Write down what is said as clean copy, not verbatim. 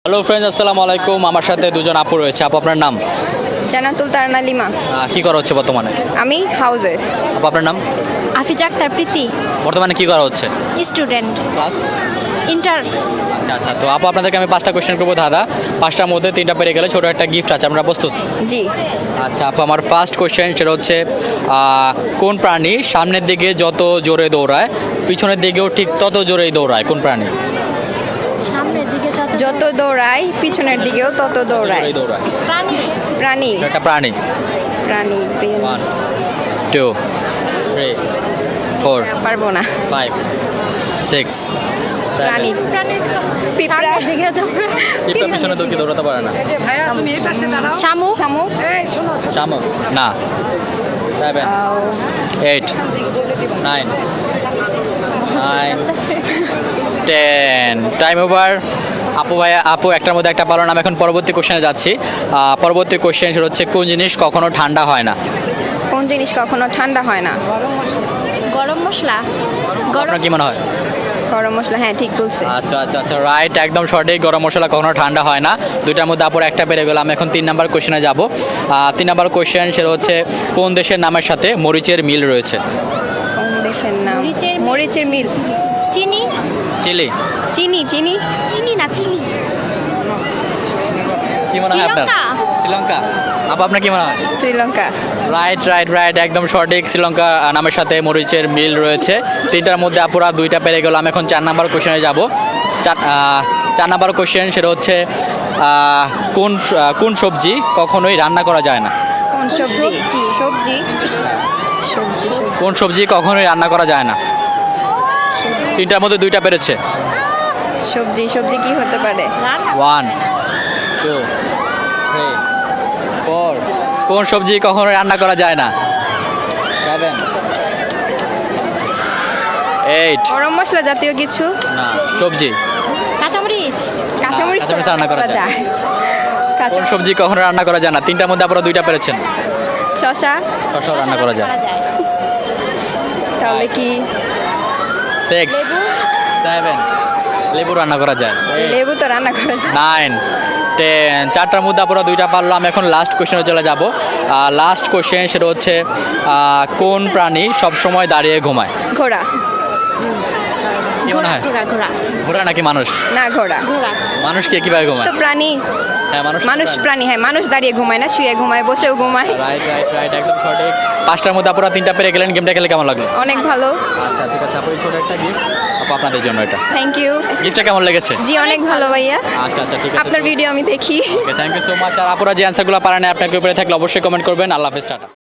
Hello friends, আসসালামু আলাইকুম। আমার সাথে দুজন আপু রয়েছে। আপু, আপনার নাম? জান্নাতুল তারানা লিমা। কি করা হচ্ছে বর্তমানে? আমি হাউস ওয়াইফ। আপু, আপনার নাম? আফিজ আক্তার প্রীতি, বর্তমানে কি করা হচ্ছে? Student, class. ইন্টার। আচ্ছা আচ্ছা, তো আপু আপনাদেরকে আমি 5টা কোশ্চেন করবো দাদা। 5টার মধ্যে 3টা পেরে গেলে ছোটো একটা গিফট আছে। আপনারা প্রস্তুত? জি। আচ্ছা আপু, আমার ফার্স্ট কোশ্চেন সেটা হচ্ছে কোন প্রাণী সামনের দিকে যত জোরে দৌড়ায় পিছনের দিকেও ঠিক তত জোরেই দৌড়ায়? কোন প্রাণী? সামনের দিকে যত দৌড়ায় পিছনের দিকেও তত দৌড়ায়। জোরেই দৌড়ায়। প্রাণী। প্রাণী। এটা একটা প্রাণী। প্রাণী। 1 2 3 4 পারবো না। 5 6 প্রাণী। 7 প্রাণী পিঁপড়া। দিকে পিঁপড়া পিছনে তো কি দৌড়াতে পারে না? শামুক। শামুক। শামুক না। 7 8 9 10 টাইম ওভার। আপু ভাইয়া, আপু একটার মধ্যে একটা পারলাম। আমি এখন পরবর্তী কোশ্চেনে যাচ্ছি। পরবর্তী কোশ্চেন সেটা হচ্ছে কোন জিনিস কখনো ঠান্ডা হয় না? কোন জিনিস কখনো ঠান্ডা হয় না? গরম মশলা। আপনার কি মনে হয়? গরম মশলা। হ্যাঁ, ঠিক বলছে। আচ্ছা আচ্ছা আচ্ছা, রাইট, একদম সঠিক। গরম মশলা কখনো ঠান্ডা হয় না। দুইটার মধ্যে আপুর একটা পেরে গেলাম। এখন 3 নাম্বার কোশ্চেনে যাব। 3 নাম্বার কোশ্চেন সেটা হচ্ছে কোন দেশের নামের সাথে মরিচের মিল রয়েছে? কোন দেশের নাম? মরিচের মিল। মরিচের মিল। চিনি। চিলি। চিনি। চিনি। চিনি না, চিনি। কি মনে হয় আপনার? শ্রীলঙ্কা। শ্রীলঙ্কা। আপু, আপনার কি মনে হয়? শ্রীলঙ্কা। রাইট রাইট রাইট, একদম সঠিক। শ্রীলঙ্কা নামের সাথে মরিচের মিল রয়েছে। 3টার মধ্যে আপুরা 2টা পেরে গেলাম। এখন 4 নাম্বার কোশ্চেনে যাব। 4 নাম্বার কোশ্চেন সেটা হচ্ছে কোন সবজি কখনোই রান্না করা যায় না? কোন সবজি? সবজি। সবজি। সবজি। কোন সবজি কখনোই রান্না করা যায় না? 3টার মধ্যে 2টা পেরেছে। সবজি। সবজি কি হতে পারে? 1 2 3 4 কোন সবজি কখনোই রান্না করা যায় না? 7 8 গরম মশলা জাতীয় কিছু। না, সবজি। কাঁচামরিচ। কাঁচামরিচ তো কাঁচামরিচ রান্না করা করা যায়। কোন কাঁচা সবজি কখনো রান্না করা যায় না? 3টার মধ্যে আপনারা 2টা পেরেছেন। শশা। শসা রান্না করা যায়। তাহলে কি? 6 7 লেবু রান্না করা যায়। লেবু তো রান্না করা যায়। 9 10 4টার মধ্যে আপনারা 2টা পারলাম। এখন লাস্ট কোশ্চেনে চলে যাব। লাস্ট কোশ্চেন সেটা হচ্ছে কোন প্রাণী সবসময় দাঁড়িয়ে ঘুমায়? ঘোড়া। কি মনে হয়? ঘোড়া। ঘোড়া। ঘোড়া নাকি মানুষ? না, ঘোড়া। ঘোড়া। মানুষ কিভাবে ঘুমায়? তো প্রাণী। হ্যাঁ, মানুষ প্রাণী। হ্যাঁ, মানুষ দাঁড়িয়ে ঘুমায় না, শুয়ে ঘুমায়, বসেও ঘুমায়। রাইট রাইট রাইট, একদম সঠিক। 5টার মধ্যে আপনারা 3টা পেরে গেলেন। গেমটা খেলে কেমন লাগলো? অনেক ভালো। আচ্ছা ঠিক আছে আপু, এই ছোট একটা গিফট আপু আপনাদের জন্য। এটা থ্যাংক ইউ। গিফটটা কেমন লেগেছে? জি, অনেক ভালো ভাইয়া। আচ্ছা আচ্ছা ঠিক আছে। আপনার ভিডিও আমি দেখি। Thank you so much. আর আপুরা যে অ্যান্সারগুলো পারেন আপনাকে উপরে থাকলে অবশ্যই কমেন্ট করবেন। আল্লাহ হাফেজ, টাটা।